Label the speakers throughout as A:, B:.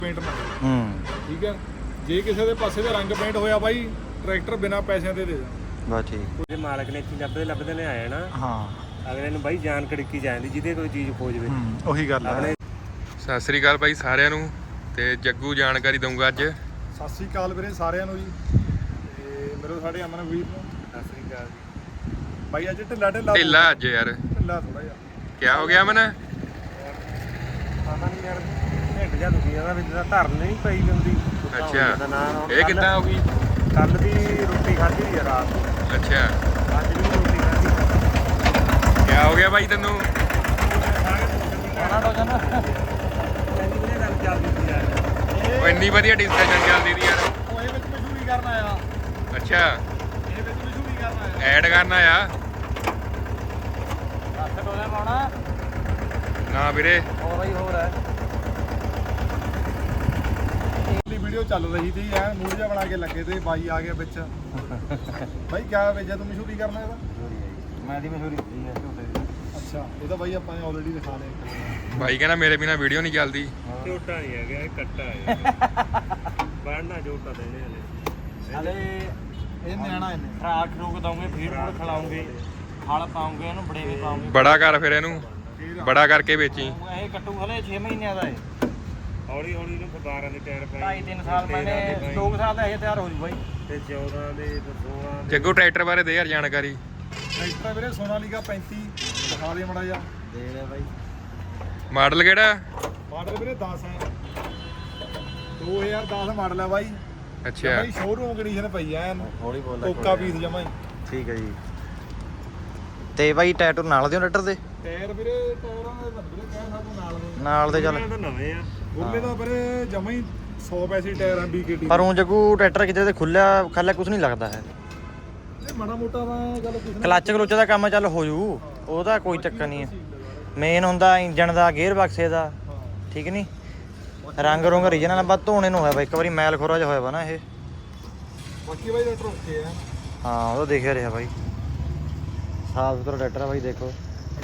A: Paint ਨਾਲ ਠੀਕ ਹੈ। ਜੇ ਕਿਸੇ ਦੇ ਪਾਸੇ ਦਾ ਰੰਗ ਪੇਂਟ ਹੋਇਆ ਬਾਈ ਟਰੈਕਟਰ ਬਿਨਾਂ ਪੈਸਿਆਂ ਦੇ ਦੇ ਦਾਂ
B: ਬਸ ਠੀਕ।
C: ਉਹਦੇ ਮਾਲਕ ਨੇ ਇੱਥੇ ਲੱਭਦੇ ਨੇ ਆਇਆ ਨਾ
B: ਹਾਂ
C: ਅਗਲੇ ਨੂੰ ਬਾਈ ਜਾਨ ਕੜਕੀ ਜਾਂਦੀ ਜਿਹਦੇ ਕੋਈ ਚੀਜ਼ ਖੋਜਵੇ
B: ਉਹੀ ਗੱਲ ਹੈ।
D: ਸਤਿ ਸ੍ਰੀ ਅਕਾਲ ਬਾਈ ਸਾਰਿਆਂ ਨੂੰ ਤੇ ਜੱਗੂ ਜਾਣਕਾਰੀ ਦਊਂਗਾ ਅੱਜ।
A: ਸਤਿ ਸ੍ਰੀ ਅਕਾਲ ਵੀਰੇ ਸਾਰਿਆਂ ਨੂੰ ਜੀ। ਤੇ ਮੇਰੇ ਸਾਡੇ ਅਮਨ ਵੀਰ ਨੂੰ
C: ਸਤਿ ਸ੍ਰੀ ਅਕਾਲ ਜੀ
A: ਬਾਈ ਅੱਜ ਢਿੱਲਾ
D: ਢਿੱਲਾ ਅੱਜ ਯਾਰ
A: ਢਿੱਲਾ ਥੋੜਾ ਜਿਹਾ
D: ਕਿਆ ਹੋ ਗਿਆ ਮਨ?
C: ਪਤਾ ਨਹੀਂ ਯਾਰ ਢਿੱਡ ਜਾ ਦੁਖੀ ਜਾਂਦਾ ਵਿੱਚ ਦਾ ਧਰਨ ਨਹੀਂ ਪਈ ਹੁੰਦੀ।
D: ਅੱਛਾ ਇਹ ਕਿੱਦਾਂ ਹੋ ਗਈ?
C: ਕੱਲ ਦੀ ਰੋਟੀ ਖਾਧੀ ਸੀ ਰਾਤ ਨੂੰ,
D: ਅੱਛਾ
C: ਅੱਜ ਵੀ ਰੋਟੀ ਖਾਧੀ।
D: ਕਿਆ ਹੋ ਗਿਆ ਬਾਈ ਤੈਨੂੰ?
C: ਗੱਲ ਚੱਲਦੀ ਸੀ ਯਾਰ
D: ਉਹ ਇੰਨੀ ਵਧੀਆ ਡਿਸਕਸ਼ਨ ਚੱਲਦੀ ਦੀ ਯਾਰ।
A: ਉਹ ਇਹ ਵਿੱਚ ਮਸ਼ਹੂਰੀ ਕਰਨ ਆਇਆ।
D: ਅੱਛਾ
A: ਇਹ ਵਿੱਚ ਮਸ਼ਹੂਰੀ ਕਰਨ ਆਇਆ।
D: ਐਡ ਕਰਨਾ ਆ
B: ਹੱਥ ਡੋਲੇ ਪਾਉਣਾ
D: ਨਾ ਵੀਰੇ।
B: ਹੋਰ ਹੀ ਹੋਰ ਹੈ।
A: ਵੀਡੀਓ ਚੱਲ ਰਹੀ ਸੀ ਐ ਮੂਡ ਜਿਹਾ ਬਣਾ ਕੇ ਲੱਗੇ ਤੇ ਬਾਈ ਆ ਗਿਆ ਵਿੱਚ। ਬਾਈ ਕਿਆ ਵੇਜਿਆ ਤੂੰ ਮਸ਼ਹੂਰੀ ਕਰਨਾ ਇਹਦਾ?
B: ਮੈਂ ਦੀ ਮਸ਼ਹੂਰੀ ਕੀਤੀ ਹੈ ਝੋਟੇ ਦੀ।
A: ਅੱਛਾ ਇਹ ਤਾਂ ਬਾਈ ਆਪਾਂ ਨੇ ਆਲਰੇਡੀ ਦਿਖਾ ਲਿਆ।
D: ਬਾਈ ਕਹਿੰਦਾ ਮੇਰੇ ਬਿਨਾ ਵੀਡੀਓ ਨਹੀਂ ਚੱਲਦੀ।
C: ਝੋਟਾ ਨਹੀਂ ਹੈਗਾ ਇਹ ਕੱਟਾ ਹੈ ਬਣਨਾ ਝੋਟਾ ਦੇਣੇ
B: ਹਲੇ
A: ਇਹ ਨਿਆਣਾ ਇਹਨੇ
B: ਖਰਾਕ ਰੋਕ ਦਵਾਂਗੇ ਫੀਡ ਫੂਡ ਖਿਲਾਉਂਗੇ ਹਲ ਪਾਉਂਗੇ ਇਹਨੂੰ ਬੜੇਵੇ ਪਾਉਂਗੇ।
D: ਬੜਾ ਕਰ ਫਿਰ ਇਹਨੂੰ ਬੜਾ ਕਰਕੇ ਵੇਚੀ।
B: ਇਹ ਕੱਟੂ ਹਲੇ 6 ਮਹੀਨਿਆਂ ਦਾ ਹੈ।
C: ਹੌਲੀ ਹੌਲੀ ਨੂੰ 12 ਦੇ ਟਾਇਰ ਪਏ
B: 2.5-3 ਸਾਲ ਮੈਨੇ 2 ਸਾਲ ਦਾ ਇਹ ਤਿਆਰ ਹੋ ਜੂ ਬਾਈ।
C: ਤੇ 14 ਦੇ 16 ਦੇ
D: ਜੱਗੂ ਟਰੈਕਟਰ ਬਾਰੇ ਦੇ ਯਾਰ ਜਾਣਕਾਰੀ।
A: ਟਰੈਕਟਰ ਵੀਰੇ ਸੋਨਾਲੀਕਾ 35 ਦਿਖਾ ਦੇ ਮੜਾ ਜਾ।
B: ਦੇ ਲੈ ਬਾਈ।
D: ਮਾਡਲ ਕਿਹੜਾ?
A: ਮਾਡਲ ਵੀਰੇ 10 ਹੈ 2010 ਮਾਡਲ ਹੈ ਬਾਈ।
D: ਅੱਛਾ
A: ਬਾਈ ਸ਼ੋਰੂਮ ਕੰਡੀਸ਼ਨ ਪਈ ਐ
B: ਹੌਲੀ ਬੋਲ
A: ਕੋਕਾ ਪੀਸ ਜਮਾ ਹੀ।
B: ਠੀਕ ਹੈ ਜੀ। ਤੇ ਬਾਈ ਟੈਟੂ ਨਾਲ ਦਿਓ ਟਰੈਕਟਰ ਦੇ?
A: ਟਾਇਰ ਵੀਰੇ ਟਾਇਰਾਂ ਦੇ ਵੀਰੇ ਕਹਿ ਸਕਦਾ
B: ਨਾਲ ਦੇ ਚੱਲ।
C: ਇਹ ਤਾਂ ਨਵੇਂ ਆ
A: ਗੁੱਲੇ ਦਾ ਵੀਰੇ ਜਮਾ ਹੀ 100 ਪੈਸੇ ਟਾਇਰ ਆ BKT।
B: ਪਰ ਉਹ ਜੱਗੂ ਟਰੈਕਟਰ ਕਿਤੇ ਤੇ ਖੁੱਲਿਆ ਖਾਲਾ ਕੁਝ ਨਹੀਂ ਲੱਗਦਾ ਹੈ।
A: ਇਹ ਮਾੜਾ ਮੋਟਾ ਤਾਂ ਗੱਲ ਕੁਛ ਨਹੀਂ।
B: ਕਲੱਚ ਕਲੁੱਚ ਦਾ ਕੰਮ ਚੱਲ ਹੋ ਜੂ ਉਹਦਾ ਕੋਈ ਚੱਕਰ ਨਹੀਂ ਹੈ। ਮੇਨ ਹੁੰਦਾ ਇੰਜਣ ਦਾ ਗੇਅਰ ਬਕਸੇ ਦਾ ਠੀਕ ਨਹੀਂ। ਰੰਗ ਰੁੰਗ ਰੀਜਨਲ ਬਸ ਧੋਣੇ ਨੂੰ ਹੋਇਆ ਵਾ ਇੱਕ ਵਾਰੀ ਮੈਲ ਖੋਰਾ ਜਿਹਾ ਹੋਇਆ ਵਾ ਨਾ ਇਹ।
A: ਬਾਕੀ ਬਾਈ ਟਰੈਕਟਰ ਓਕੇ ਆ।
B: ਹਾਂ ਉਹ ਤਾਂ ਦੇਖਿਆ ਰਿਹਾ ਬਾਈ ਸਾਫ ਸੁਥਰਾ ਟਰੈਕਟਰ ਆ ਬਾਈ ਦੇਖੋ।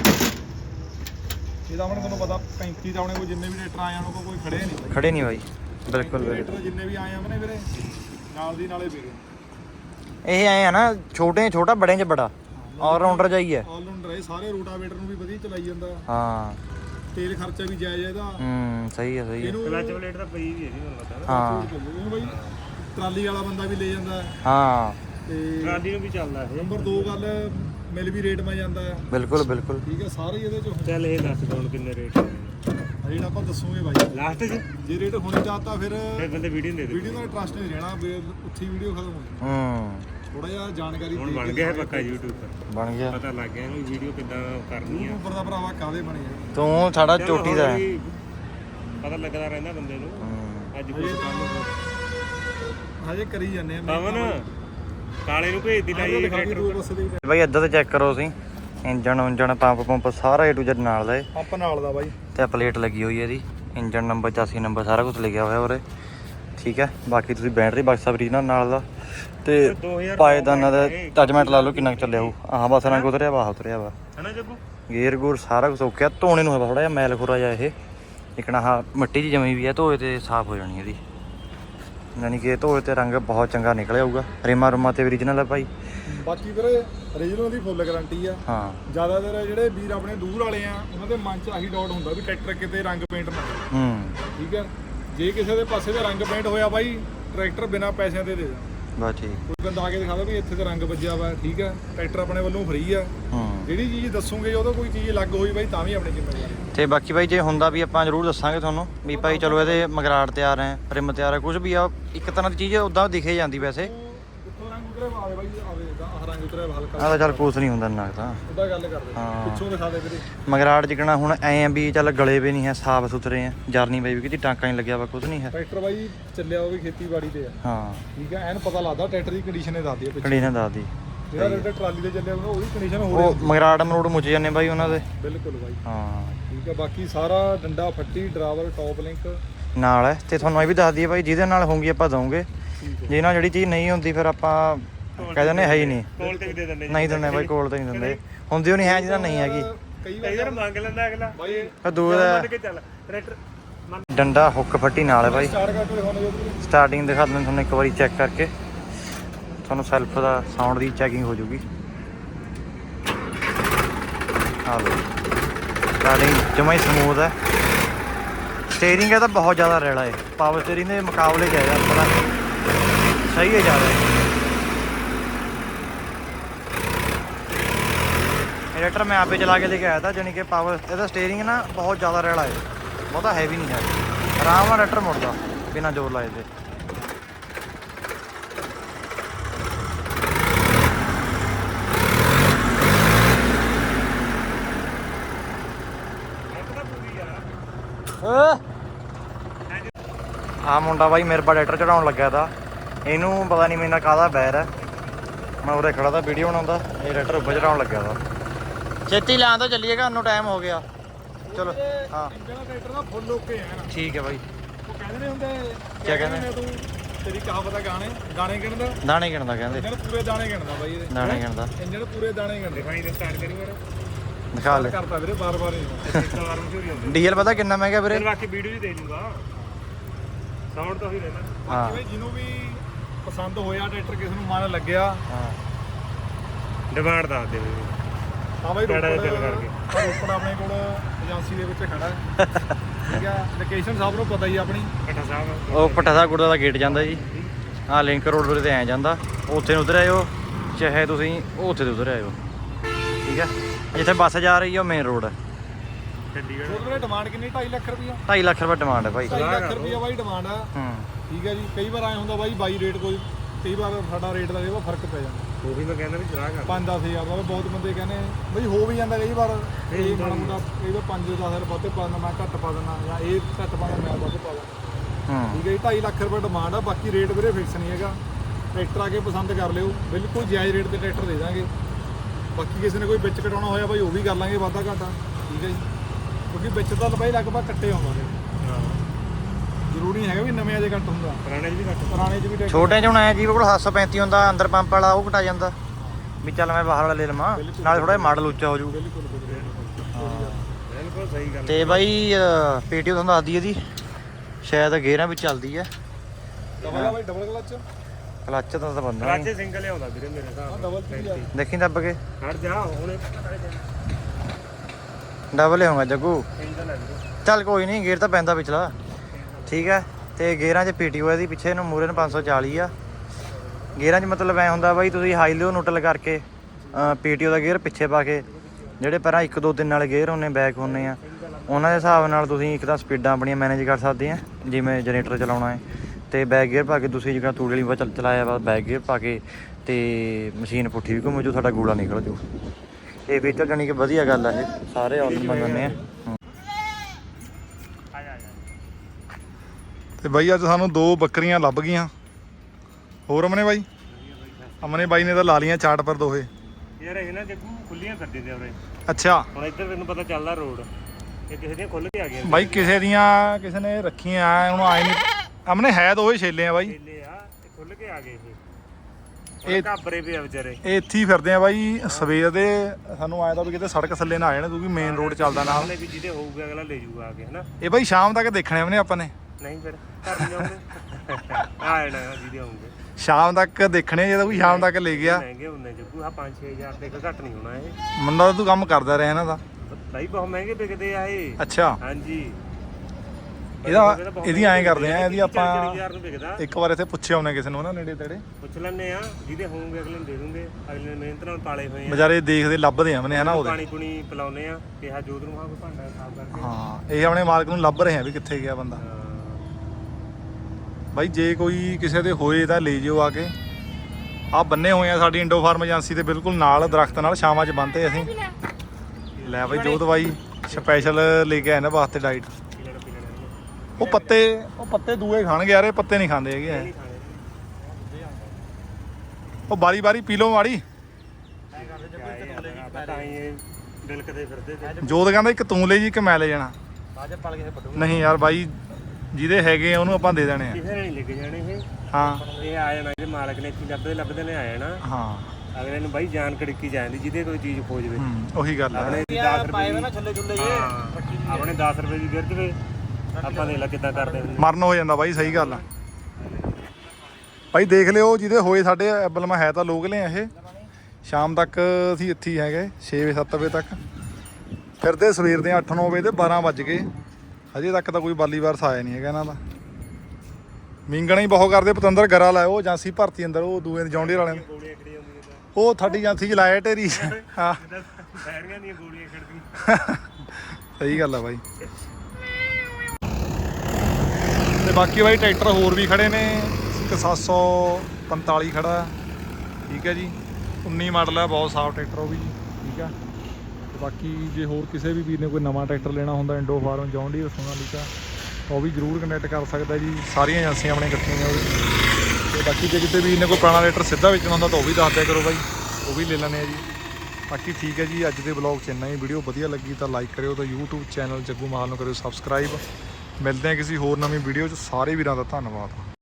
A: ਇਹਦਾ ਹੁਣ ਤੁਹਾਨੂੰ ਪਤਾ 35 ਦਾ ਆਪਣੇ ਕੋਲ ਜਿੰਨੇ ਵੀ ਟਰੈਕਟਰ ਆਏ ਉਹਨਾਂ ਕੋਲ ਕੋਈ ਖੜੇ ਨਹੀਂ।
B: ਖੜੇ ਨਹੀਂ ਬਾਈ ਬਿਲਕੁਲ ਬਿਲਕੁਲ।
A: ਟਰੈਕਟਰ ਜਿੰਨੇ ਵੀ ਆਏ ਆਪਣੇ ਵੀਰੇ ਨਾਲ ਦੀ ਨਾਲੇ ਵੀਰੇ
B: ਇਹ ਐ ਆ ਨਾ ਛੋਟੇ ਛੋਟਾ ਬੜੇ ਚ ਬੜਾ ਆਲਰਾਊਂਡਰ ਜਾਈ ਹੈ।
A: ਆਲਰਾਊਂਡਰ ਇਹ ਸਾਰੇ ਰੋਟਾਵੇਟਰ ਨੂੰ ਵੀ ਵਧੀਆ ਚਲਾਈ ਜਾਂਦਾ।
B: ਹਾਂ
A: ਤੇਲ ਖਰਚਾ ਵੀ ਜਾਇਜ਼ ਹੈ ਇਹਦਾ।
B: ਸਹੀ ਹੈ ਸਹੀ ਹੈ।
A: ਇਹਨੂੰ
C: ਕਲਚ ਪਲੇਟ ਤਾਂ ਪਈ ਵੀ ਹੈ ਜੀ ਮੈਨੂੰ ਲੱਗਦਾ
B: ਹਾਂ
A: ਇਹਨੂੰ ਬਾਈ ਟਰਾਲੀ ਵਾਲਾ ਬੰਦਾ ਵੀ ਲੈ ਜਾਂਦਾ
B: ਹਾਂ
A: ਤੇ
C: ਟਰਾਲੀ ਨੂੰ ਵੀ ਚੱਲਦਾ ਇਹ।
A: ਨੰਬਰ 2 ਗੱਲ ਮਿਲ ਵੀ ਰੇਟ ਮੈਂ ਜਾਂਦਾ ਹੈ।
B: ਬਿਲਕੁਲ ਬਿਲਕੁਲ।
A: ਠੀਕ ਹੈ ਸਾਰੇ ਇਹਦੇ ਚ
C: ਚੱਲ ਇਹ ਦੱਸ ਹੁਣ ਕਿੰਨੇ ਰੇਟ
A: ਰੇਟ ਆਪਾਂ ਦੱਸੂਗੇ ਬਾਈ
C: ਲਾਸਟ 'ਚ
A: ਜੇ ਰੇਟ ਹੋਣੇ ਚਾਹਤਾ ਫਿਰ
C: ਫਿਰ ਬੰਦੇ ਵੀਡੀਓ ਦੇ ਦੇ
A: ਵੀਡੀਓ ਦਾ ਟਰਸਟ ਨਹੀਂ ਰਹਿਣਾ ਉੱਥੇ ਵੀਡੀਓ ਖਤਮ ਹੋ ਜਾਣੀ। ਥੋੜਾ ਜਿਹਾ ਜਾਣਕਾਰੀ
C: ਹੁਣ
A: ਦੇ
C: ਬਣ
A: ਕੇ
C: ਗਿਆ ਇਹ ਪੱਕਾ YouTube ਪਰ
B: ਬਣ ਗਿਆ।
C: ਪਤਾ ਲੱਗ ਗਿਆ ਇਹਨੂੰ ਵੀਡੀਓ ਕਿੱਦਾਂ ਕਰਨੀ ਆ।
A: ਉੱਪਰ ਦਾ ਭਰਾਵਾ ਕਾਦੇ ਬਣੇ ਆ।
B: ਤੂੰ ਸਾਡਾ
C: ਚਲੋ
B: ਚੋਟੀ ਦਾ ਹੈ।
C: ਹੌਲੀ ਪਤਾ ਲੱਗਦਾ ਰਹਿੰਦਾ ਬੰਦੇ ਨੂੰ ਅੱਜ ਕੁਝ ਕੰਮ
A: ਹਜੇ ਕਰੀ ਜਾਂਦੇ ਆ
C: ਪਵਨ ਕਾਲੇ ਨੂੰ ਭੇਜ ਦੀ ਲਾਈ ਟਰੈਕਟਰ
A: ਬਸ ਦੀ
B: ਬਾਈ ਇੱਧਰ ਤੇ ਚੈੱਕ ਕਰੋ ਤੁਸੀਂ ਇੰਜਣ ਉਂਜਣ ਪੰਪ ਸਾਰਾ A to Z ਨਾਲ ਦਾ ਹੈ।
A: ਪੰਪ ਨਾਲ ਦਾ ਬਾਈ
B: ਤੇ ਪਲੇਟ ਲੱਗੀ ਹੋਈ ਹੈ ਇਹਦੀ ਇੰਜਣ ਨੰਬਰ 84 ਨੰਬਰ ਸਾਰਾ ਕੁਝ ਲਿਖਿਆ ਹੋਇਆ ਉਰੇ ਠੀਕ ਹੈ। ਬਾਕੀ ਤੁਸੀਂ ਬੈਟਰੀ ਬਕਸਾ ਓਰੀਜਨਲ ਨਾਲ ਦਾ ਤੇ
C: 2000
B: ਪਾਇਦਾਨਾਂ ਦਾ ਟੱਚਮੈਂਟ ਲਾ ਲਓ ਕਿੰਨਾ ਕੁ ਚੱਲਿਆ ਹੋਊ। ਆਹ ਬਸ ਰੰਗ ਉਤਰਿਆ ਵਾ ਉਤਰਿਆ ਵਾ
C: ਹਨਾ ਜੱਗੂ
B: ਗੇਅਰ ਗੂਰ ਸਾਰਾ ਕੁਝ ਓਕੇ ਆ। ਧੋਣੇ ਨੂੰ ਹੋਇਆ ਥੋੜਾ ਜਿਹਾ ਮੈਲ ਖੁਰਾ ਜਿਹਾ ਇਹ ਇਕਣਾ ਆਹ ਮਿੱਟੀ ਦੀ ਜਮੀ ਵੀ ਹੈ ਧੋਏ ਤੇ ਸਾਫ਼ ਹੋ ਜਾਣੀ ਇਹਦੀ ਯਾਨੀ ਕਿ ਧੋਏ ਤੇ ਰੰਗ ਬਹੁਤ ਚੰਗਾ ਨਿਕਲ ਆਊਗਾ। ਰੇਮਾ ਰੁਮਾ ਤੇ ਓਰੀਜਨਲ ਹੈ ਭਾਈ।
A: ਬਾਕੀ ਵੀਰੇ ਰੀਜਨਲ ਦੀ ਫੁੱਲ ਗਾਰੰਟੀ ਆ।
B: ਹਾਂ
A: ਜ਼ਿਆਦਾਤਰ ਜਿਹੜੇ ਵੀਰ ਆਪਣੇ ਦੂਰ ਵਾਲੇ ਆ ਉਹਨਾਂ ਦੇ ਮਨ 'ਚ ਆਹੀ ਡਾਊਟ ਹੁੰਦਾ ਵੀ ਟਰੈਕਟਰ ਕਿਤੇ ਰੰਗ ਪੇਂਟ ਨਾ ਠੀਕ ਹੈ। ਜੇ ਕਿਸੇ ਦੇ ਪਾਸੇ ਦਾ ਰੰਗ ਪੇਂਟ ਹੋਇਆ ਬਾਈ ਟਰੈਕਟਰ ਬਿਨਾਂ ਪੈਸਿਆਂ ਦੇ ਦੇ ਦਾਂ।
B: ਬਸ ਠੀਕ।
A: ਕੋਈ ਬੰਦਾ ਆ ਕੇ ਦਿਖਾਦਾ ਵੀ ਇੱਥੇ ਤੇ ਰੰਗ ਵੱਜਿਆ ਵਾ ਠੀਕ ਹੈ। ਟਰੈਕਟਰ ਆਪਣੇ ਵੱਲੋਂ ਫ੍ਰੀ ਆ। ਜਿਹੜੀ ਚੀਜ਼ ਦੱਸੋਗੇ ਉਹਦਾ ਕੋਈ ਚੀਜ਼ ਅਲੱਗ ਹੋਈ ਬਾਈ ਤਾਂ ਵੀ ਆਪਣੀ ਜ਼ਿੰਮੇਵਾਰੀ।
B: ਤੇ ਬਾਕੀ ਬਾਈ ਜੇ ਹੁੰਦਾ ਵੀ ਆਪਾਂ ਜ਼ਰੂਰ ਦੱਸਾਂਗੇ ਤੁਹਾਨੂੰ ਵੀ ਭਾਈ ਚਲੋ ਇਹਦੇ ਮਗਰਾਟ ਤਿਆਰ ਹੈ ਰਿਮ ਤਿਆਰ ਹੈ ਕੁਝ ਵੀ ਆ ਇੱਕ ਤਰ੍ਹਾਂ ਦੀ ਚੀਜ਼ ਉੱਦਾਂ ਦਿਖੇ ਜਾਂਦੀ ਵੈਸੇ।
A: ਕਿੱਥੋਂ ਰੰਗ ਉਤਰਿਆ ਆਵੇ ਬਾਈ ਆਵੇ ਆਹ ਰੰਗ ਉਤਰਿਆ ਹਲਕਾ
B: ਆਹ ਤਾਂ ਚੱਲ ਕੁਛ ਨਹੀਂ ਹੁੰਦਾ ਇੰਨਾ ਕੁ ਤਾਂ
A: ਉਹਦਾ ਗੱਲ ਕਰਦੇ
B: ਹਾਂ।
A: ਪਿੱਛੋਂ ਦਿਖਾ ਦੇ ਵੀਰੇ
B: ਮਗਰਾਟ ਜਿਕਣਾ ਹੁਣ ਐ ਆ ਵੀ ਚੱਲ ਗਲੇ ਵੀ ਨਹੀਂ ਹੈ ਸਾਫ ਸੁਥਰੇ ਆ ਜਰਨੀ ਬਾਈ ਵੀ ਕਿਤੇ ਟਾਂਕਾ ਨਹੀਂ ਲੱਗਿਆ ਵਾ ਕੁਝ ਨਹੀਂ ਹੈ।
A: ਟਰੈਕਟਰ ਬਾਈ ਚੱਲਿਆ ਉਹ ਵੀ ਖੇਤੀਬਾੜੀ ਤੇ ਆ
B: ਹਾਂ
A: ਠੀਕ ਹੈ। ਐਨ ਪਤਾ ਲੱਗਦਾ ਟਰੈਕਟਰ ਦੀ ਕੰਡੀਸ਼ਨ ਇਹ ਦੱਸਦੀ ਆ ਪਿੱਛੇ।
B: ਕੰਡੀਸ਼ਨ ਦੱਸਦੀ
A: ਜਿਹੜਾ ਟਰੈਕਟਰ ਟਰਾਲੀ ਤੇ ਚੱਲਿਆ ਉਹਦੀ ਕੰਡੀਸ਼ਨ ਹੋ
B: ਉਹ
A: ਰਹੀ
B: ਮਗਰਾਟ ਮਰੋੜ ਮੁੱਚ ਜਾਂਦੇ ਬਾਈ ਉਹਨਾਂ ਦੇ।
A: ਬਿਲਕੁਲ ਬਾਈ
B: ਹਾਂ
A: ਠੀਕ ਹੈ। ਬਾਕੀ ਸਾਰਾ ਡੰਡਾ ਫੱਟੀ ਡਰਾਈਵਰ ਟੌਪ ਲਿੰਕ
B: ਨਾਲ ਹੈ ਤੇ ਤੁਹਾਨੂੰ ਇਹ ਵੀ ਦੱਸ ਦਈਏ ਬਾਈ ਜਿਹਦੇ ਨਾਲ ਹੋਊਗੀ ਆਪਾਂ ਦਵਾਂਗੇ।
A: ਠੀਕ ਹੈ।
B: ਜੇ ਨਾਲ ਜਿਹੜੀ ਚੀਜ਼ ਨਹੀਂ ਹੁੰਦੀ ਫਿਰ ਆਪਾਂ ਕਹਿ ਦਿੰਦੇ ਹੈ ਹੀ ਨਹੀਂ
C: ਕੋਲ ਤੇ ਵੀ ਦੇ ਦਿੰਦੇ
B: ਨਹੀਂ ਦਿੰਦੇ ਬਾਈ ਕੋਲ ਤਾਂ ਨਹੀਂ ਦਿੰਦੇ ਹੁੰਦੀ ਉਹ ਨਹੀਂ ਹੈ ਜਿਹਦਾ ਨਹੀਂ ਹੈਗੀ।
A: ਕਈ
C: ਕਈ ਵਾਰ ਮੰਗ ਲੈਂਦਾ ਅਗਲਾ
A: ਬਾਈ
B: ਦੂਰ ਦਾ
C: ਮੰਨ ਕੇ ਚੱਲ ਟਰੈਕਟਰ
B: ਡੰਡਾ ਹੁੱਕ ਫੱਟੀ ਨਾਲ ਹੈ ਬਾਈ।
A: ਸਟਾਰਟ ਕਰਕੇ ਦਿਖਾਉਂਦੇ ਜੋ ਤੁਸੀਂ।
B: ਸਟਾਰਟਿੰਗ ਦਿਖਾ ਦਿੰਦੇ ਤੁਹਾਨੂੰ ਇੱਕ ਵਾਰੀ ਚੈੱਕ ਕਰਕੇ, ਤੁਹਾਨੂੰ ਸੈਲਫ ਦਾ ਸਾਊਂਡ ਦੀ ਚੈਕਿੰਗ ਹੋ ਜਾਊਗੀ। ਆ ਲਓ ਸਟਾਰਟਿੰਗ ਜਮਾ ਹੀ ਸਮੂਥ ਹੈ। ਸਟੀਅਰਿੰਗ ਹੈ ਤਾਂ ਬਹੁਤ ਜ਼ਿਆਦਾ ਰੈਲਾ ਹੈ, ਪਾਵਰ ਸਟੀਅਰਿੰਗ ਦੇ ਮੁਕਾਬਲੇ 'ਚ ਹੈ ਯਾਰ, ਬੜਾ ਸਹੀ ਹੈ ਜ਼ਿਆਦਾ। ਰੈਕਟਰ ਮੈਂ ਆਪੇ ਚਲਾ ਕੇ ਲੈ ਕੇ ਆਇਆ था, ਜਾਣੀ ਕਿ ਪਾਵਰ ਇਹਦਾ ਸਟੀਅਰਿੰਗ ਨਾ ਬਹੁਤ ਜ਼ਿਆਦਾ ਰੈਲਾ ਹੈ, ਬਹੁਤਾ ਹੈਵੀ ਨਹੀਂ ਹੈ, ਆਰਾਮ ਨਾਲ ਰੈਕਟਰ ਮੁੜਦਾ ਬਿਨਾਂ ਜ਼ੋਰ ਲਾਏ ਤੇ। ਆ ਮੁੰਡਾ ਬਾਈ ਮੇਰੇ ਪਾ ਟਰੈਕਟਰ ਚੜਾਉਣ ਲੱਗਿਆ ਤਾ, ਇਹਨੂੰ ਪਤਾ ਨਹੀਂ ਮੇਰੇ ਨਾਲ ਕਾਹਦਾ ਬੈਰ ਹੈ। ਮੈਂ ਉਰੇ ਖੜਾ ਤਾਂ ਵੀਡੀਓ ਬਣਾਉਂਦਾ, ਇਹ ਟਰੈਕਟਰ ਉੱਪਰ ਚੜਾਉਣ ਲੱਗਿਆ ਤਾ। ਛੇਤੀ ਲਾਂ ਤਾਂ ਚੱਲੀਏਗਾ, ਉਹਨੂੰ ਟਾਈਮ ਹੋ ਗਿਆ। ਚਲੋ ਹਾਂ
A: ਇੰਜਨ ਦਾ ਟਰੈਕਟਰ ਦਾ ਫੁੱਲ ਓਕੇ ਹੈ ਨਾ।
B: ਠੀਕ ਹੈ ਬਾਈ।
A: ਉਹ ਕਹਿੰਦੇ ਨੇ ਹੁੰਦੇ
B: ਕਿਆ ਕਹਿੰਦੇ?
A: ਤੂੰ ਤੇਰੀ ਕਹਾਵਤ ਆ ਗਾਣੇ ਗਿਣਦਾ,
B: ਦਾਣੇ ਗਿਣਦਾ ਕਹਿੰਦੇ,
A: ਇੰਜਨ ਪੂਰੇ ਦਾਣੇ ਗਿਣਦਾ ਬਾਈ ਇਹਦੇ।
B: ਦਾਣੇ ਗਿਣਦਾ।
A: ਇੰਜਨ ਪੂਰੇ ਦਾਣੇ ਗਿਣਦੇ।
C: ਦਿਖਾਈ ਦੇ ਸਟਾਰਟ ਕਰੀ ਮੇਰਾ
B: ਦਿਖਾ ਲੈ।
A: ਕਰਦਾ ਵੀਰੇ ਬਾਰ-ਬਾਰ ਹੀ।
C: ਇੱਕ ਵਾਰ ਮਸ਼ਹੂਰੀ ਹੁੰਦੀ
B: ਡੀਜ਼ਲ ਪਤਾ ਕਿੰਨਾ ਮਹਿੰਗਾ ਵੀਰੇ?
C: ਫਿਰ ਬਾਕੀ ਵੀਡੀਓ ਹੀ ਦੇ ਦੂੰਗਾ, ਸਾਊਂਡ ਤਾਂ ਹੀ ਰਹਿਣਾ।
B: ਹਾਂ
A: ਬਾਕੀ ਬਈ ਜਿਹਨੂੰ ਵੀ ਪਸੰਦ ਹੋਇਆ ਟਰੈਕਟਰ, ਕਿਸੇ ਨੂੰ ਮਨ ਲੱਗਿਆ
B: ਹਾਂ
C: ਡਿਮਾਂਡ ਦੱਸ ਦੇ ਵੀ
A: ਤਾਂ ਬਾਈ
C: ਕਿਹੜਾ ਦਿਲ ਕਰਕੇ।
A: ਰੋਪੜ ਆਪਣੇ ਕੋਲ ਏਜੰਸੀ ਦੇ ਵਿੱਚ ਖੜਾ ਹੈ। ਠੀਕ ਆ, ਲੋਕੇਸ਼ਨ ਸਭ ਨੂੰ ਪਤਾ ਹੀ ਆ ਆਪਣੀ।
C: ਭੱਠਾ ਸਾਹਿਬ
B: ਉਹ ਭੱਠਾ ਸਾਹਿਬ ਗੁਰਦਾ ਦਾ ਗੇਟ ਜਾਂਦਾ ਜੀ, ਆਹ ਲਿੰਕ ਰੋਡ ਤੇ ਐਂ ਜਾਂਦਾ, ਉੱਥੇ ਨੂੰ ਉਧਰ ਆਇਓ, ਚਾਹੇ ਤੁਸੀਂ ਉੱਥੇ ਤੇ ਉਧਰ ਆਇਓ। ਠੀਕ ਹੈ, ਜਿੱਥੇ ਬੱਸ ਜਾ ਰਹੀ ਹੈ ਉਹ ਮੇਨ ਰੋਡ ਹੈ।
C: ਚੰਡੀਗੜ੍ਹ
A: ਉਹਦੇ ਡਿਮਾਂਡ ਕਿੰਨੀ? 2.5 ਲੱਖ ਰੁਪਇਆ।
B: 2.5 ਲੱਖ ਰੁਪਏ ਡਿਮਾਂਡ ਹੈ ਭਾਈ।
A: 2.5 ਲੱਖ ਰੁਪਇਆ ਬਾਈ ਡਿਮਾਂਡ ਆ।
B: ਹੂੰ
A: ਠੀਕ ਹੈ ਜੀ, ਕਈ ਵਾਰ ਐ ਹੁੰਦਾ ਬਾਈ ਬਾਈ ਰੇਟ ਕੋਈ, ਕਈ ਵਾਰ ਸਾਡਾ ਰੇਟ ਦਾ ਇਹਦਾ ਫਰਕ ਪੈ ਜਾਂਦਾ।
C: ਉਹ ਵੀ ਮੈਂ ਕਹਿੰਦਾ ਵੀ ਸਲਾਹ ਕਰ
A: 5-10 ਹਜ਼ਾਰ ਦਾ ਬਹੁਤ ਬੰਦੇ ਕਹਿੰਦੇ ਬਈ ਹੋ ਵੀ ਜਾਂਦਾ ਕਈ ਵਾਰ। ਇਹ ਮਾੜਾ ਮੋਟਾ ਕਈ ਵਾਰ 5-10 ਹਜ਼ਾਰ ਵੱਧ ਪਾ ਦਿੰਦਾ, ਮੈਂ ਘੱਟ ਪਾ ਦਿੰਦਾ, ਜਾਂ ਇਹ ਘੱਟ ਪਾ ਦਿੰਦਾ, ਮੈਂ ਵੱਧ ਪਾ ਦਿੰਦਾ।
B: ਹੂੰ
A: ਠੀਕ ਹੈ ਜੀ, 2.5 ਲੱਖ ਰੁਪਏ ਡਿਮਾਂਡ ਆ। ਬਾਕੀ ਰੇਟ ਵੀਰੇ ਫਿਕਸ ਨਹੀਂ ਹੈਗਾ, ਟਰੈਕਟਰ ਆ ਕੇ ਪਸੰਦ ਕਰ ਲਿਓ, ਬਿਲਕੁਲ ਜਾਇਜ਼ ਰੇਟ ਤੇ ਟਰੈਕਟਰ ਦੇ ਦਾਂਗੇ। ਬਾਕੀ ਕਿਸੇ ਨੇ ਕੋਈ ਵਿੱਚ ਕਟਾਉਣਾ ਹੋਇਆ ਬਾਈ ਉਹ ਵੀ ਕਰ ਲਾਂਗੇ ਵਾਧਾ ਘਾਟਾ। ਠੀਕ ਹੈ ਜੀ, ਕਿਉਂਕਿ ਵਿੱਚ ਤਾਂ ਬਾਈ ਲਗਭਗ ਕੱਟੇ ਆਉਂਦੇ ਨੇ, ਜ਼ਰੂਰੀ ਨਹੀਂ ਹੈਗਾ ਵੀ ਨਵੇਂ ਅਜੇ ਕੱਟ ਹੁੰਦਾ,
C: ਪੁਰਾਣੇ 'ਚ ਵੀ ਘੱਟ
A: ਪੁਰਾਣੇ 'ਚ ਵੀ ਟਰੈਕਟਰ।
B: ਛੋਟੇ 'ਚ ਹੁਣ ਆਇਆ ਜੀ ਕੋਲ 735 ਹੁੰਦਾ, ਅੰਦਰ ਪੰਪ ਵਾਲਾ ਉਹ ਘਟਾ ਜਾਂਦਾ ਵੀ ਚੱਲ ਮੈਂ ਬਾਹਰ ਵਾਲਾ ਲੈ ਲਵਾਂ, ਨਾਲੇ ਥੋੜਾ ਜਿਹਾ ਮਾਡਲ ਉੱਚਾ ਹੋ ਜੂ।
A: ਬਿਲਕੁਲ
C: ਬਿਲਕੁਲ ਸਹੀ ਗੱਲ।
B: ਤੇ ਬਾਈ ਪੀਟੀਓ ਤੁਹਾਨੂੰ ਦੱਸਦੀ ਇਹਦੀ ਸ਼ਾਇਦ ਗੇਅਰਾਂ ਵਿੱਚ ਚੱਲਦੀ ਹੈ,
A: ਡਬਲ ਆ ਬਾਈ, ਡਬਲ ਕਲਚ।
B: ਕਲੱਚ ਤਾਂ ਬੰਦਾ
C: ਕਰਾਚੇ ਸਿੰਗਲ ਹੀ ਆਉਂਦਾ ਵੀਰੇ ਮੇਰੇ ਹਿਸਾਬ ਨਾਲ।
A: ਡਬਲ ਕੀ ਆ?
B: ਦੇਖੀ ਦੱਬ ਕੇ
C: ਹਟ ਜਾ ਹੁਣ
B: ਡਬਲ ਹੋਊਗਾ ਜੱਗੂ।
C: ਸਿੰਗਲ ਹੈ ਵੀਰੇ।
B: ਚੱਲ ਕੋਈ ਨਹੀਂ, ਗੇਅਰ ਤਾਂ ਪੈਂਦਾ ਪਿਛਲਾ। ਠੀਕ ਹੈ, ਤੇ ਗੇਅਰਾਂ 'ਚ ਪੀਟੀਓ ਇਹਦੀ ਪਿੱਛੇ ਨੂੰ ਮੂਰੇ ਨੂੰ 540 ਆ। ਗੇਅਰਾਂ 'ਚ ਮਤਲਬ ਐ ਹੁੰਦਾ ਬਾਈ ਤੁਸੀਂ ਹਾਈ ਲੋ ਨਿਊਟਰਲ ਕਰਕੇ ਪੀਟੀਓ ਦਾ ਗੇਅਰ ਪਿੱਛੇ ਪਾ ਕੇ, ਜਿਹੜੇ ਪਹਿਲਾਂ 1 2 3 ਵਾਲੇ ਗੇਅਰ ਹੁੰਦੇ ਬੈਕ ਹੁੰਦੇ ਆ, ਉਹਨਾਂ ਦੇ ਹਿਸਾਬ ਨਾਲ ਤੁਸੀਂ ਇੱਕ ਤਾਂ ਸਪੀਡਾਂ ਆਪਣੀਆਂ ਮੈਨੇਜ ਕਰ ਸਕਦੇ ਆ, ਜਿਵੇਂ ਜਨਰੇਟਰ ਚਲਾਉਣਾ ਹੈ ਤੇ ਬੈਕ ਗੇਅਰ ਪਾ ਕੇ ਤੁਸੀਂ ਜਿਹੜਾ ਤੂੜੀ ਵਾਲੀ ਚਲਾਇਆ ਵਾ ਬੈਕ ਗੇਅਰ ਪਾ ਕੇ, ਤੇ ਮਸ਼ੀਨ ਪੁੱਠੀ ਵੀ ਘੁੰਮ ਜੂ, ਤੁਹਾਡਾ ਗੂੜਾ ਨਿਕਲ ਜੂ। ਇਹ ਫੀਚਰ ਜਾਣੀ ਕਿ ਵਧੀਆ ਗੱਲ ਆ, ਇਹ ਸਾਰੇ ਆਲ ਮੰਨਦੇ ਆ।
A: ਤੇ ਬਾਈ ਅੱਜ ਸਾਨੂੰ 2 ਬੱਕਰੀਆਂ ਲੱਭ ਗਈਆਂ ਹੋਰ। ਅਮਨੇ ਬਾਈ, ਅਮਨੇ ਬਾਈ ਨੇ ਤਾਂ ਲਾ ਲੀਆਂ ਚਾਟ ਪਰ ਦੋਹੇ।
C: ਯਾਰ ਇਹ ਨਾ ਜੱਗੂ ਖੁੱਲੀਆਂ ਕਰਦੇ ਤੇ ਉਰੇ,
A: ਅੱਛਾ
C: ਹੁਣ ਇੱਧਰ ਤੈਨੂੰ ਪਤਾ ਚੱਲਦਾ ਰੋਡ, ਇਹ ਕਿਸੇ ਦੀਆਂ ਖੁੱਲ ਕੇ ਆ ਗਈਆਂ
A: ਬਾਈ, ਕਿਸੇ ਨੇ ਰੱਖੀਆਂ ਹੁਣ ਆਏ ਨਹੀਂ। ਅਮਨੇ ਹੈ ਤਾਂ ਉਹੀ ਛੇਲੇ ਆ ਬਾਈ,
C: ਛੇਲੇ ਆ, ਇਹ ਖੁੱਲ ਕੇ ਆ ਗਏ ਇਹ ਘਾਬਰੇ ਪਏ ਆ ਵਿਚਾਰੇ।
A: ਇਹ ਇੱਥੇ ਹੀ ਫਿਰਦੇ ਆ ਬਾਈ ਸਵੇਰ ਦੇ। ਸਾਨੂੰ ਆਇਆ ਤਾਂ ਵੀ ਕਿਤੇ ਸੜਕ ਥੱਲੇ ਨਾ ਆ ਜਾਣ, ਕਿਉਂਕਿ ਮੇਨ ਰੋਡ ਚੱਲਦਾ ਨਾਲ।
C: ਵੀ ਜਿਹਦੇ ਹੋਊਗਾ ਅਗਲਾ ਲੈ ਜਾਊਗਾ ਆ ਕੇ, ਹਨਾ।
A: ਇਹ ਬਾਈ ਸ਼ਾਮ ਤੱਕ ਦੇਖਣੇ ਅਮਨੇ ਆਪਾਂ ਨੇ,
C: ਨਹੀਂ ਫਿਰ ਘਰ ਨਹੀਂ ਜਾਉਂਗੇ ਆ ਜਾਣਾ ਜਿਹਦੇ ਆਉਂਗੇ
A: ਸ਼ਾਮ ਤੱਕ ਦੇਖਣੇ। ਜੇ ਤਾਂ ਕੋਈ ਸ਼ਾਮ ਤੱਕ ਲੈ ਗਿਆ,
C: ਮਹਿੰਗੇ ਹੁੰਦੇ ਜੱਗੂ, ਆ 5-6 ਹਜ਼ਾਰ ਦੇ ਘੱਟ ਨਹੀਂ ਹੋਣਾ ਇਹ।
A: ਮੁੰਡਾ ਤਾਂ ਤੂੰ ਕੰਮ ਕਰਦਾ ਰਿਹਾ ਇਹਨਾਂ ਦਾ।
C: ਬਾਈ ਬਹੁਤ ਮਹਿੰਗੇ ਵਿਕਦੇ ਆ ਇਹ।
A: ਅੱਛਾ,
C: ਹਾਂਜੀ,
A: ਇਹਦੀ ਐਂ ਕਰਦੇ ਆ, ਇਹਦੀ ਆਪਾਂ
C: 40,000 ਨੂੰ ਵਿਕਦਾ।
A: ਇੱਕ ਵਾਰ ਇੱਥੇ ਪੁੱਛਿਆ ਉਹਨੇ ਕਿਸੇ ਨੂੰ ਨਾ ਨੇੜੇ ਤੇੜੇ,
C: ਪੁੱਛ ਲੈਣੇ ਆ, ਜਿਹਦੇ ਹੋਣਗੇ ਅਗਲੇ ਨੂੰ ਦੇ ਦੂੰਗੇ, ਅਗਲੇ ਨੇ ਮਿਹਨਤ ਨਾਲ ਪਾਲੇ ਹੋਏ ਆ।
A: ਵਿਚਾਰੇ ਦੇਖਦੇ ਲੱਭਦੇ ਆ ਅਮਨੇ ਹਨਾ ਉਹਦੇ।
C: ਪਾਣੀ ਪੁਣੀ ਪਿਲਾਉਨੇ ਆ, ਕਿਹਾ ਜੋਤ ਨੂੰ ਕੋਈ ਭਾਂਡਾ ਸਾਫ ਕਰਕੇ।
A: ਹਾਂ, ਇਹ ਆਪਣੇ ਮਾਲਕ ਨੂੰ ਲੱਭ ਰਹੇ ਆ ਵੀ ਕਿੱਥੇ ਗਿਆ ਬੰਦਾ। ਬਾਈ ਜੇ ਕੋਈ ਕਿਸੇ ਦੇ ਹੋਏ ਤਾਂ ਲੈ ਜਿਓ ਆ ਕੇ। ਆਹ ਬੰਨੇ ਹੋਏ ਆ ਸਾਡੀ ਇੰਡੋ ਫਾਰਮ ਏਜੰਸੀ ਦੇ ਬਿਲਕੁਲ ਨਾਲ, ਦਰਖਤ ਨਾਲ, ਛਾਵਾਂ 'ਚ ਬੰਨ੍ਹਤੇ ਅਸੀਂ। ਲੈ ਬਾਈ ਜੋਤ ਬਾਈ ਸਪੈਸ਼ਲ ਲੈ ਕੇ ਆਏ ਨਾ ਵਾਸਤੇ ਡਾਈਟ। ਉਹ ਪੱਤੇ ਦੂਏ ਖਾਣਗੇ ਯਾਰ, ਇਹ ਪੱਤੇ ਨਹੀਂ ਖਾਂਦੇ ਹੈਗੇ। ਉਹ ਬਾਰੀ ਬਾਰੀ ਪੀ ਲਓ ਮਾੜੀ।
C: ਬਿਲਕਦੇ ਫਿਰਦੇ ਤੇ
A: ਜੋਤ ਕਹਿੰਦਾ ਇੱਕ ਤੂੰ ਲੈ ਜੀ, ਇੱਕ ਮੈਂ ਲੈ ਜਾਣਾ। ਨਹੀਂ ਯਾਰ ਬਾਈ, ਜਿਹਦੇ ਹੈਗੇ ਆ ਉਹਨੂੰ ਆਪਾਂ ਦੇ ਦੇਣੇ ਆ।
C: ਕਿਸੇ ਨੇ ਨਹੀਂ ਲੈ ਕੇ ਜਾਣੇ ਇਹ।
A: ਹਾਂ,
C: ਇਹ ਆ ਜਾਣਾ, ਇਹਦੇ ਮਾਲਕ ਨੇ ਕੀ ਲੱਭਦੇ ਨੇ ਆ ਜਾਣਾ।
A: ਹਾਂ,
C: ਅਗਲੇ ਨੂੰ ਬਾਈ ਜਾਨ ਕੜਕੀ ਜਾਂਦੀ ਜਿਹਦੇ ਕੋਈ ਚੀਜ਼ ਖੋਜ ਵੇ।
A: ਉਹੀ ਗੱਲ ਆ।
C: ਆਪਣੇ 10 ਰੁਪਏ ਨਾ ਛੱਲੇ ਛੁੱਲੇ ਜੇ ਆਪਣੇ 10 ਰੁਪਏ ਦੀ ਗਿਰ ਜਵੇ, ਆਪਾਂ ਦੇਖ ਲਾ ਕਿੱਦਾਂ ਕਰਦੇ ਹੁੰਦੇ।
A: ਮਰਨ ਹੋ ਜਾਂਦਾ ਬਾਈ, ਸਹੀ ਗੱਲ ਆ ਭਾਈ। ਦੇਖ ਲਿਓ ਜਿਹਦੇ ਹੋਏ ਸਾਡੇ ਐਬਲਮ ਹੈ ਤਾਂ ਲੋਕਲੇ ਆ ਇਹ। ਸ਼ਾਮ ਤੱਕ ਅਸੀਂ ਇੱਥੇ ਹੀ ਹੈਗੇ 6-7 ਵਜੇ ਤੱਕ ਫਿਰਦੇ, ਸਵੇਰ ਦੇ 8-9 ਵਜੇ ਤੇ 12 ਵੱਜ ਗਏ, ਹਜੇ ਤੱਕ ਤਾਂ ਕੋਈ ਬਾਲੀ ਵਾਰਸ ਆਇਆ ਨਹੀਂ ਹੈਗਾ ਇਹਨਾਂ ਦਾ। ਮਿੰਗਣਾ ਹੀ ਬਹੁਤ ਕਰਦੇ। ਪਤੰਦਰ ਗਰਾ ਲਾਇਆ ਉਹ ਏਜੰਸੀ ਭਰਤੀ ਅੰਦਰ, ਉਹ ਦੂਏ ਜੌਂਡੀਅਰ ਵਾਲਿਆਂ
C: ਗੋਲੀਆਂ ਖੜੀਆਂ ਹੁੰਦੀਆਂ
A: ਉਹ ਸਾਡੀ ਏਜੰਸੀ 'ਚ ਲਾਇਆ ਢੇਰੀ। ਹਾਂ
C: ਬੈਰੀਆਂ ਦੀਆਂ ਗੋਲੀਆਂ ਖੜਦੀਆਂ।
A: ਸਹੀ ਗੱਲ ਆ ਬਾਈ। ਤੇ ਬਾਕੀ ਬਾਈ ਟਰੈਕਟਰ ਹੋਰ ਵੀ ਖੜੇ ਨੇ, ਇੱਕ 745 ਖੜਾ, ਠੀਕ ਹੈ ਜੀ, 19 ਮਾਡਲ ਹੈ, ਬਹੁਤ ਸਾਫ ਟਰੈਕਟਰ ਉਹ ਵੀ ਜੀ, ਠੀਕ ਆ। ਤੇ ਬਾਕੀ ਜੇ ਹੋਰ ਕਿਸੇ ਵੀ ਵੀਰ ਨੇ ਕੋਈ ਨਵਾਂ ਟਰੈਕਟਰ ਲੈਣਾ ਹੁੰਦਾ ਇੰਡੋ ਫਾਰਮ ਜੌਂਡੀਅਰ ਸੋਨਾਲੀਕਾ, ਉਹ ਵੀ ਜ਼ਰੂਰ ਕੰਟੈਕਟ ਕਰ ਸਕਦਾ ਜੀ। ਸਾਰੀਆਂ ਏਜੰਸੀਆਂ ਆਪਣੇ ਇਕੱਠੀਆਂ ਨੇ ਉਹਦੇ। ਤੇ ਬਾਕੀ ਜੇ ਕਿਤੇ ਵੀਰ ਨੇ ਕੋਈ ਪੁਰਾਣਾ ਟਰੈਕਟਰ ਸਿੱਧਾ ਵੇਚਣਾ ਹੁੰਦਾ ਤਾਂ ਉਹ ਵੀ ਦੱਸ ਦਿਆ ਕਰੋ ਬਾਈ, ਉਹ ਵੀ ਲੈ ਲੈਂਦੇ ਆ ਜੀ। ਬਾਕੀ ਠੀਕ ਹੈ ਜੀ, ਅੱਜ ਦੇ ਵਲੌਗ 'ਚ ਇੰਨਾ ਹੀ। ਵੀਡੀਓ ਵਧੀਆ ਲੱਗੀ ਤਾਂ ਲਾਈਕ ਕਰਿਓ, ਤਾਂ YouTube ਚੈਨਲ ਜੱਗੂ ਮਾਹਲ ਨੂੰ ਕਰਿਓ ਸਬਸਕ੍ਰਾਈਬ। ਮਿਲਦੇ ਹਾਂ ਕਿਸੇ ਹੋਰ ਨਵੀਂ ਵੀਡੀਓ 'ਚ। ਸਾਰੇ ਵੀਰਾਂ ਦਾ ਧੰਨਵਾਦ।